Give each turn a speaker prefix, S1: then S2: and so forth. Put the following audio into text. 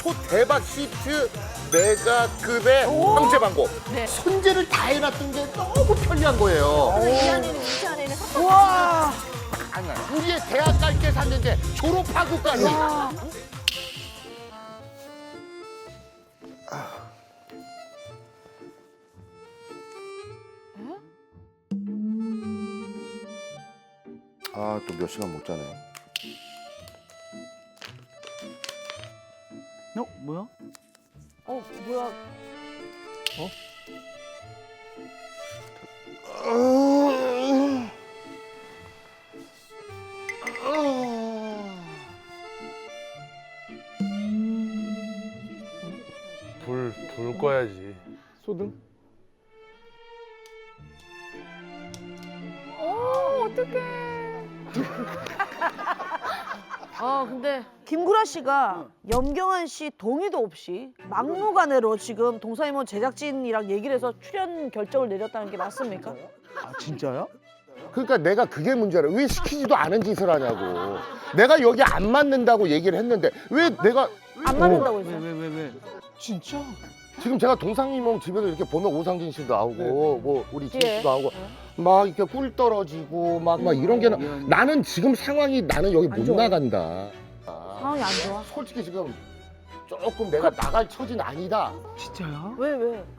S1: 초대박 히트 메가급의 황제 방고.
S2: 네.
S1: 손재를 다 해놨던 게 너무 편리한 거예요.
S2: 이 안에는 이 안에는
S3: 와.
S1: 우리의 대학 갈 때 샀는데 졸업하고까지. 아, 또 몇 시간 못 자네.
S3: 뭐야?
S2: 뭐야?
S4: 불 꺼야지.
S3: 소등?
S2: 어떡해. 근데
S3: 김구라 씨가 염경환 씨 동의도 없이 막무가내로 지금 동사이몬 제작진이랑 얘기를 해서 출연 결정을 내렸다는 게 맞습니까?
S5: 아 진짜요?
S1: 그러니까 내가 그게 문제라. 왜 시키지도 않은 짓을 하냐고. 내가 여기 안 맞는다고 얘기를 했는데 왜 내가
S3: 안 맞는다고 했어요.
S5: 왜? 진짜?
S1: 지금 제가 동상이몽 집에서 이렇게 보면 오상진 씨도 나오고 뭐 우리 진
S3: 예.
S1: 씨도 나오고 막 이렇게 꿀 떨어지고 막 이런 게 나는 지금 상황이 나는 여기 못
S3: 좋아요.
S1: 나간다.
S3: 상황이 안 좋아.
S1: 솔직히 지금 조금 내가 나갈 처지는 아니다.
S5: 진짜요?
S3: 왜?